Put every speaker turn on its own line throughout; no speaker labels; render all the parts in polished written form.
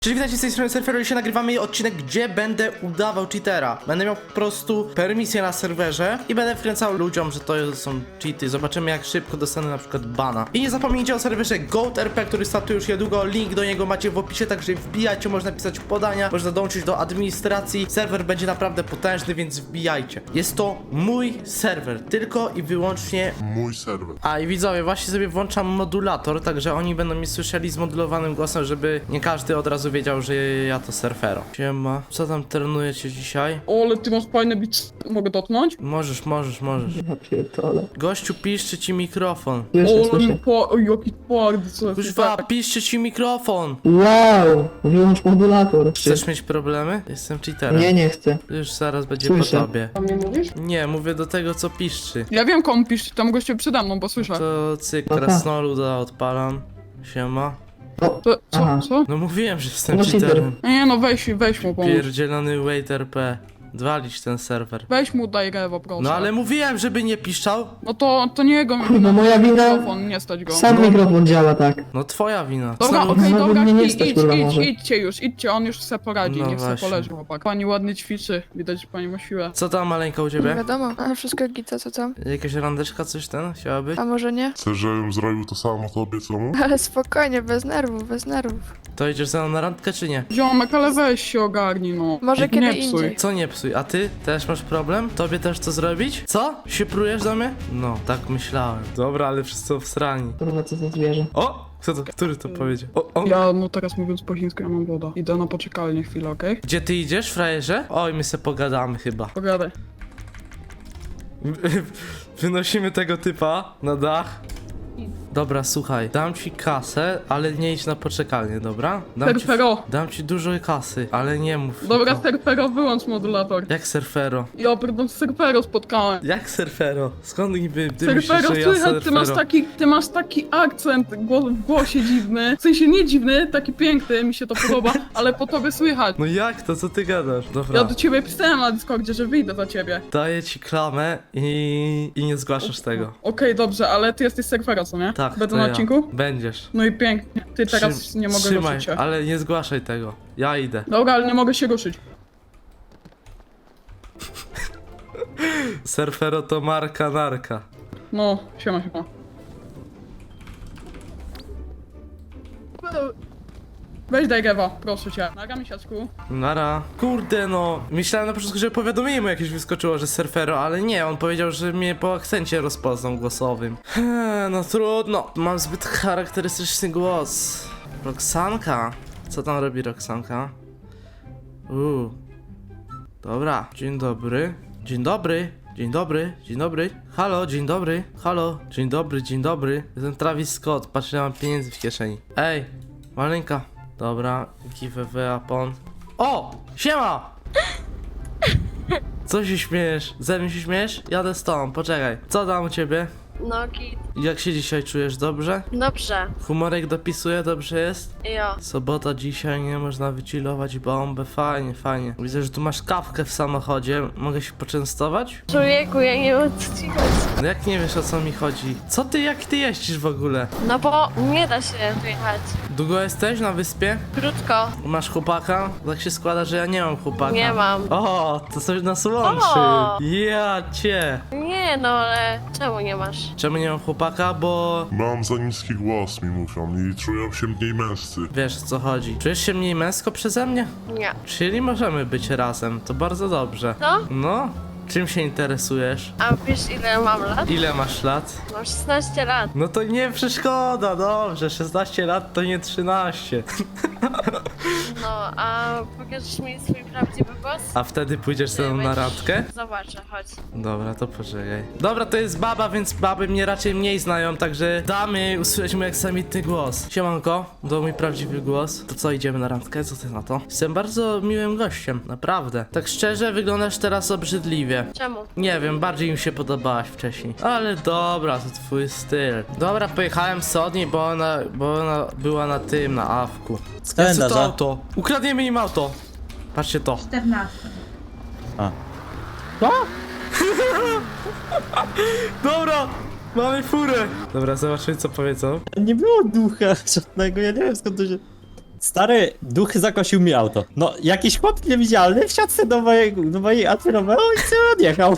Czyli witajcie z tej strony Surfero i dzisiaj nagrywamy odcinek, gdzie będę udawał cheatera. Będę miał po prostu permisję na serwerze i będę wkręcał ludziom, że to są cheaty. Zobaczymy, jak szybko dostanę na przykład bana. I nie zapomnijcie o serwerze GoatRP, który startuje już niedługo. Link do niego macie w opisie, także wbijajcie, można pisać podania, można dołączyć do administracji. Serwer będzie naprawdę potężny, więc wbijajcie. Jest to mój serwer, tylko i wyłącznie
Mój serwer.
A i widzowie, właśnie sobie włączam modulator, także oni będą mi słyszeli z modulowanym głosem, żeby nie każdy od razu wiedział, że ja to Surfero. Siema, co tam trenujecie dzisiaj?
O, ale ty masz fajny beat. Mogę dotknąć?
Możesz.
Ja pierdolę.
Gościu, piszczy ci mikrofon.
Słyszę,
O,
słyszę.
ale jaki twardy, co
Kuźwa, piszczy ci mikrofon.
Wow! Wyłącz modulator.
Chcesz mieć problemy? Jestem cheaterem.
Nie chcę.
Już zaraz będzie
Słyszę.
po tobie.
A mnie mówisz?
Nie, mówię do tego, co piszczy.
Ja wiem, komu pisz, tam goście przede mną, bo słyszę.
To cyk,
No tak.
krasnoluda odpalam. Siema.
O,
To,
aha.
co?
No mówiłem, że jestem
No cheater.
cheaterem.
Nie no, weź mu pomóż.
Pierdzielony waiter.p. Walić ten serwer.
Weź mu daj rewo, proszę.
No ale mówiłem, żeby nie piszczał.
No to nie jego
Kurwa, moja wina.
mikrofon, nie stać go.
Sam mikrofon działa tak.
No twoja wina.
Dobra,
Znowu-
okej,
Znowu
dobra,
mnie nie stać, kurwa, może.
idźcie już, idźcie, on już se poradzi,
No
niech se
właśnie.
poleży, chłopak. Pani ładnie ćwiczy, widać, że pani ma siłę.
Co tam maleńka u
Nie
ciebie?
wiadomo, a wszystko gita, co tam?
Jakaś randeczka, coś ten? Chciałaby?
A może nie?
Chcesz, żebym zrobił to samo tobie, co mu?
Ale spokojnie, bez nerwów, bez nerwów.
To idziesz ze mną na randkę czy nie?
Ziomek, ale weź się ogarnij, no.
Może
Nie
kiedy
psuj.
indziej.
Co nie psuj, a ty też masz problem? Tobie też co zrobić? Co? Się prujesz do mnie? No, tak myślałem. Dobra, ale wszyscy są wsrani.
Kurwa, co za zwierzę.
O! Kto to? Który to powiedział? O!
Ja, no teraz mówiąc po chińsku, ja mam woda. Idę na poczekalnię chwilę, okej?
Gdzie ty idziesz, frajerze? Oj, my se pogadamy chyba.
Pogadaj.
Wynosimy tego typa na dach. Dobra, słuchaj, dam ci kasę, ale nie idź na poczekalnię, dobra?
Surfero.
Dam ci dużo kasy, ale nie mów.
Dobra,
tylko.
Surfero, wyłącz modulator.
Jak surfero?
Ja pierdolę, Surfero spotkałem.
Jak surfero? Skąd niby ty myślisz,
Surfero,
że ja
słychać,
surfero?
ty masz taki akcent w głosie dziwny. W sensie nie dziwny, taki piękny, mi się to podoba, ale po tobie słychać.
No jak to? Co ty gadasz? Dobra.
Ja do ciebie pisałem na Discordzie, że wyjdę za ciebie.
Daję ci klamę i nie zgłaszasz tego.
Okej, dobrze, ale ty jesteś Surfero, co nie?
Tak,
Będę
to
na
ja.
odcinku?
Będziesz.
No i pięknie. Ty teraz nie mogę
Trzymaj,
ruszyć się.
ale nie zgłaszaj tego. Ja idę.
Dobra, ale nie mogę się ruszyć.
Surfero to marka narka.
No, siema. Weź daj Gewa, proszę cię. Naga misiaczku.
Nara. Kurde no. Myślałem na początku, że powiadomienie mu jakieś wyskoczyło, że surfero, ale nie, on powiedział, że mnie po akcencie rozpoznał głosowym. No trudno. Mam zbyt charakterystyczny głos. Roxanka. Co tam robi Roxanka? Dobra. Dzień dobry. Dzień dobry. Dzień dobry, dzień dobry. Halo, dzień dobry. Halo, dzień dobry, dzień dobry. Jestem Travis Scott, patrz, ile mam pieniędzy w kieszeni. Ej, maleńka. Dobra, give a upon. O! Siema! Co się śmiejesz? Ze mnie się śmiejesz? Jadę z tobą, poczekaj. Co tam u ciebie?
No git.
Jak się dzisiaj czujesz? Dobrze?
Dobrze.
Humorek dopisuje? Dobrze jest?
Jo.
Sobota dzisiaj, nie można wychillować bombę. Fajnie, fajnie. Widzę, że tu masz kawkę w samochodzie. Mogę się poczęstować?
Człowieku, ja nie wiem co ci chodzi.
No jak nie wiesz, o co mi chodzi? Co ty, jak ty jeździsz w ogóle?
No bo nie da się wyjechać.
Długo jesteś na wyspie?
Krótko.
Masz chłopaka? Tak się składa, że ja nie mam chłopaka.
Nie mam.
O, to coś nas łączy.
O!
Ja cię.
Nie no, ale czemu nie masz?
Czemu nie mam chłopaka? Bo
Mam za niski głos, mi mówią, i czują się mniej męscy.
wiesz, o co chodzi. Czujesz się mniej męsko przeze mnie?
Nie.
Czyli możemy być razem, to bardzo dobrze.
Co?
No, czym się interesujesz?
A wiesz ile mam lat?
Ile masz lat?
Mam 16 lat.
No to nie przeszkoda, dobrze, 16 lat to nie 13.
No, a pokażesz mi swój prawdziwy głos?
A wtedy pójdziesz ze mną na randkę?
Zobaczę, chodź.
Dobra, to poczekaj. Dobra, to jest baba, więc baby mnie raczej mniej znają, także damy usłyszeć mój aksamitny głos. Siemanko, to mój prawdziwy głos. To co, idziemy na randkę? Co ty na to? Jestem bardzo miłym gościem, naprawdę. Tak szczerze, wyglądasz teraz obrzydliwie.
Czemu?
Nie wiem, bardziej mi się podobałaś wcześniej. Ale dobra, to twój styl. Dobra, pojechałem z Odni, bo ona była na tym, na awku. Ja chcę to auto. Ukradniemy im auto. Patrzcie to.
14.
Dobra, mamy furę. Dobra, zobaczymy co powiedzą.
Nie było ducha żadnego, ja nie wiem skąd to się...
Stary, duch zakosił mi auto. No, jakiś chłop niewidzialny wsiadł sobie do mojej Alfy Romeo i sobie odjechał.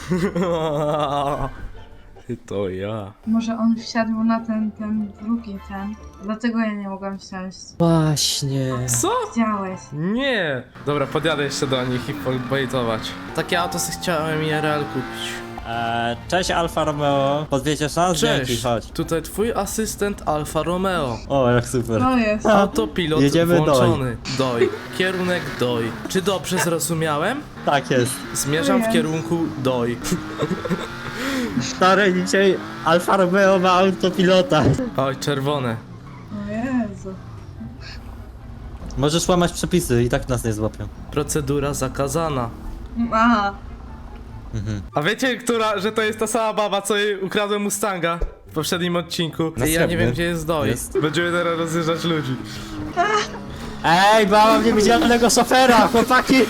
To ja.
Może on wsiadł na ten drugi ten. Dlatego ja nie mogłam wsiąść.
Właśnie.
Co?
Widziałeś.
Nie. Dobra, podjadę jeszcze do nich i pobejtować. Takie auto sobie chciałem IRL kupić.
Cześć Alfa Romeo. Podwiedziesz nas? Dzięki,
Cześć,
chodź.
tutaj twój asystent Alfa Romeo.
O, jak super.
To jest.
Autopilot
Jedziemy
włączony. Doj. Kierunek Doj. Czy dobrze zrozumiałem?
Tak jest.
Zmierzam w
Jest.
kierunku Doj.
Stary, dzisiaj Alfa Romeo ma autopilota.
Oj, czerwone.
O Jezu.
Możesz łamać przepisy i tak nas nie złapią.
Procedura zakazana.
Aha.
A wiecie, że to jest ta sama baba, co jej ukradłem Mustanga w poprzednim odcinku?
Na
I ja nie
srebrny.
wiem, gdzie jest Doj.
Jest.
Będziemy teraz rozjeżdżać ludzi.
Ej, mam niewidzialnego szofera, chłopaki!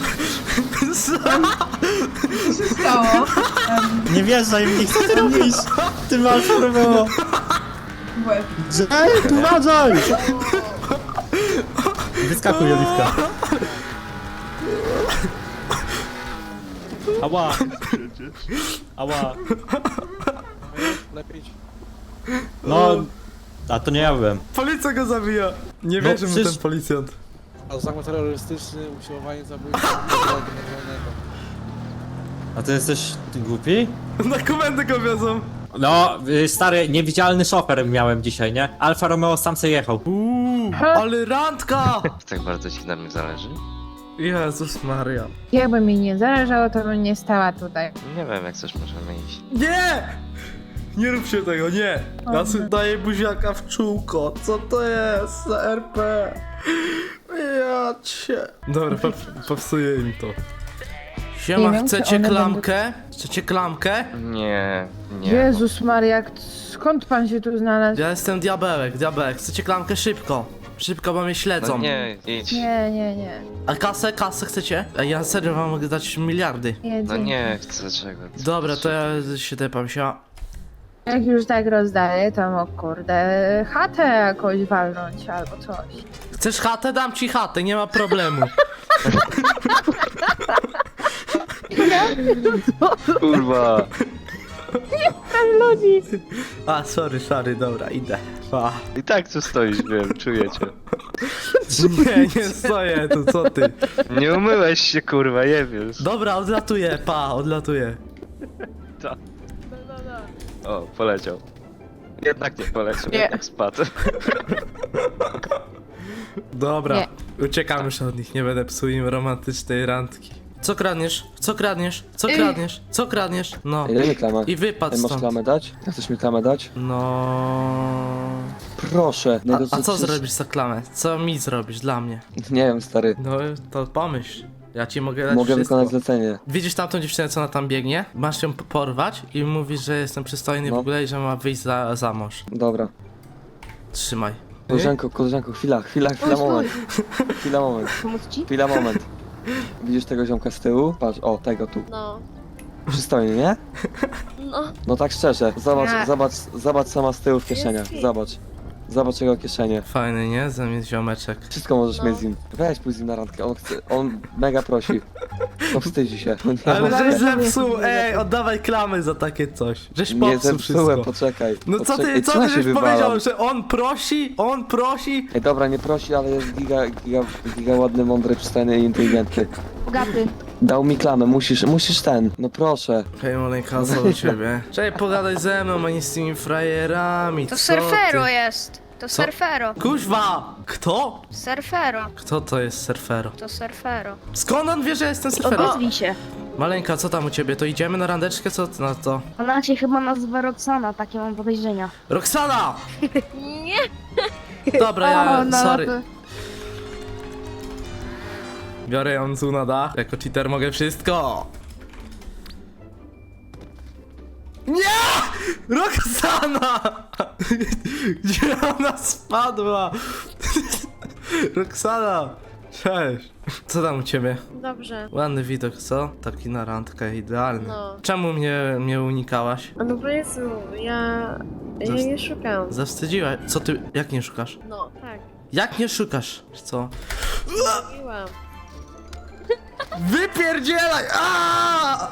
Co się stało?
Nie wierzaj w nich, co ty robisz? Ty Alfa Romeo!
Łeb.
Ej, uważaj! Wyskakuj, Oliwka. Ała! Ała! No, a to nie ja byłem.
Policja go zabija. Nie
No,
wierzy mu
przecież-
ten policjant.
Zakład terrorystyczny, usiłowanie zabójstwa generalnego.
A ty jesteś głupi?
Na komendę go wiozą.
No, stary, niewidzialny szofer miałem dzisiaj, nie? Alfa Romeo sam se jechał.
Ale randka!
Tak bardzo ci na mnie zależy?
Jezus Maria.
Jakby mi nie zależało, to bym nie stała tutaj.
Nie wiem, jak coś możemy iść.
Nie! Nie róbcie tego, nie! Ja sobie daję buziaka w czółko. Co to jest za RP? Ja cię. Dobra, popsuję im to. Siema,
Nie wiem, czy
chcecie
one
klamkę? Chcecie klamkę?
Nie, nie.
Jezus Maria, skąd pan się tu znalazł?
Ja jestem diabełek. Chcecie klamkę szybko? Szybko, bo mnie śledzą.
No nie, idź.
Nie.
A kasę chcecie? Ej, ja serio wam mogę dać miliardy.
Nie,
No
dzięki.
nie chcę czego.
Dobra, to ja się tepam się.
Jak już tak rozdaję, to no kurde, chatę jakoś walnąć albo coś.
Chcesz chatę? Dam ci chatę, nie ma problemu.
Kurwa.
Ludzi!
A, sorry, dobra, idę. Pa.
I tak tu stoisz, wiem, czuję cię.
Nie stoję tu, co ty?
Nie umyłeś się, kurwa, nie wiesz.
Dobra, odlatuję, odlatuję.
Ta. O, poleciał. Jednak nie poleciał,
Nie.
jednak spadł.
Dobra,
Nie.
uciekam już od nich, nie będę psuł im romantycznej randki. Co kradniesz? Co kradniesz? Co kradniesz? Co kradniesz? No.
Ile mi klamę?
I wypadł
Masz
stąd.
klamę dać? Chcesz mi klamę dać?
No.
Proszę.
A co zrobisz za klamę? Co mi zrobisz dla mnie?
Nie wiem, stary.
No to pomyśl. Ja ci mogę dać
Mogę
wszystko.
wykonać zlecenie.
Widzisz tamtą dziewczynę, co ona tam biegnie? Masz ją porwać i mówisz, że jestem przystojny w
No.
ogóle i że ma wyjść za mąż.
Dobra.
Trzymaj.
Koleżanko, chwila, moment. Chwila, moment. Widzisz tego ziomka z tyłu? Patrz, o, tego tu.
No,
Przystojny, nie?
no.
No tak szczerze.
Nie.
Zobacz co ma z tyłu w kieszeniach.
Jest.
Zobacz jego kieszenie.
Fajny, nie? Zamiast ziomeczek.
Wszystko możesz
No.
mieć z nim. Weź pójdź z nim na randkę, on mega prosi. To wstydzi się. No nie,
Ale
może-
żeś zepsuł, ej, oddawaj klamy za takie coś. Żeś
nie
popsuł
zepsułem,
wszystko.
poczekaj.
No co
Poczekaj.
ty, co
ja
ty
się
żeś
wywalam?
powiedział, że on prosi?
Ej, dobra, nie prosi, ale jest giga ładny, mądry, przystojny i inteligentny.
Bogaty.
Dał mi klamę, musisz ten. No proszę.
Hej, maleńka, co u ciebie? Czekaj, pogadaj ze mną, a nie z tymi frajerami,
To
co
surfero
ty?
jest. To
Co?
surfero.
Kuźwa! Kto?
Surfero.
Kto to jest surfero?
To surfero.
Skąd on wie, że jestem surfero?
Odezwij się.
Maleńka, co tam u ciebie? To idziemy na randeczkę? Co ty na to?
Ona się chyba nazywa Roxana, takie mam podejrzenia.
Roxana!
Nie.
Dobra, ja,
no
sorry.
to-
Biorę ją tu na dach. Jako cheater mogę wszystko. Nie! Roxana! Gdzie ona spadła? Roxana! Cześć. Co tam u ciebie?
Dobrze.
Ładny widok, co? Taki na randkę, idealny.
No.
Czemu mnie unikałaś?
No bo Jezu, ja nie szukam.
Zawstydziłaś. Co ty, jak nie szukasz?
No, tak.
Jak nie szukasz? Czy co?
Mówiłam.
Wypierdzielaj! Aaaa!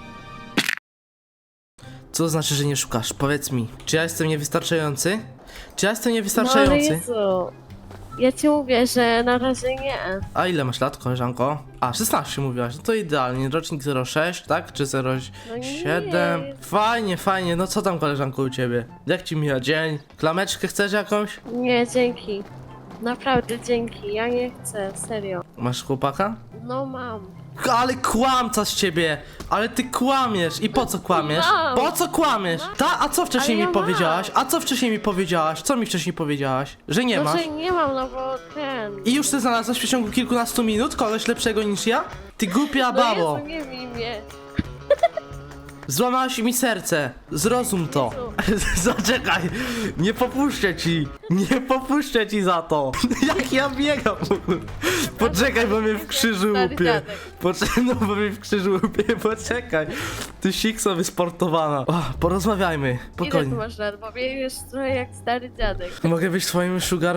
Co to znaczy, że nie szukasz? Powiedz mi, czy ja jestem niewystarczający? Czy ja jestem
No ale
niewystarczający?
Jezu. Ja ci mówię, że na razie nie.
A ile masz lat, koleżanko? A, 16 mówiłaś, no to idealnie. Rocznik 06, tak? Czy 07?
nie.
Fajnie, fajnie. No co tam, koleżanko, u ciebie? Jak ci mija dzień? Klameczkę chcesz jakąś?
Nie, dzięki. Naprawdę dzięki. Ja nie chcę, serio.
Masz chłopaka?
No mam.
Ale kłamca z ciebie! Ale ty kłamiesz! I po co kłamiesz?
Mam.
Po co kłamiesz? A co wcześniej
Ale
mi
ja
powiedziałaś? A co wcześniej mi powiedziałaś? Co mi wcześniej powiedziałaś? Że nie
No,
masz?
że nie mam, no bo ten...
I już ty znalazłeś w przeciągu kilkunastu minut kogoś lepszego niż ja? Ty głupia
No
babo!
Jezu, nie bij mnie.
Złamałaś mi serce! Zrozum to! Zaczekaj! Nie popuszczę ci! Nie popuszczę ci za to! Jak ja biegam w ogóle! Poczekaj, bo mnie w krzyżu
Stary
łupie!
dziadek.
Poczekaj, no bo mnie w krzyżu łupie, poczekaj! Ty sikso wysportowana! O, porozmawiajmy,
Ile
spokojnie.
tu masz lat? Bo biegniesz trochę jak stary dziadek.
Mogę być twoim sugar...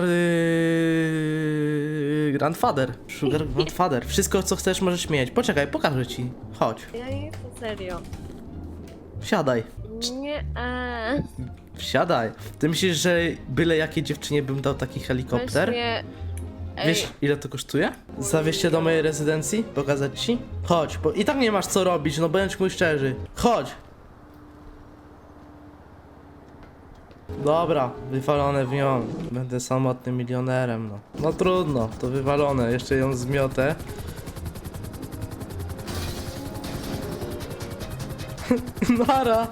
grandfather. Sugar grandfather. Wszystko co chcesz możesz mieć. Poczekaj, pokażę ci. Chodź,
Ja nie chcę, serio.
wsiadaj.
Nie,
Wsiadaj. Ty myślisz, że byle jakiej dziewczynie bym dał taki helikopter?
weź mnie... Ej,
Wiesz ile to kosztuje? Zawieźć cię do mojej rezydencji? Pokazać ci? Chodź, bo i tak nie masz co robić, no bądź mój szczerzy. Chodź! Dobra, wywalone w nią. Będę samotnym milionerem, no. No trudno, to wywalone. Jeszcze ją zmiotę. Nara!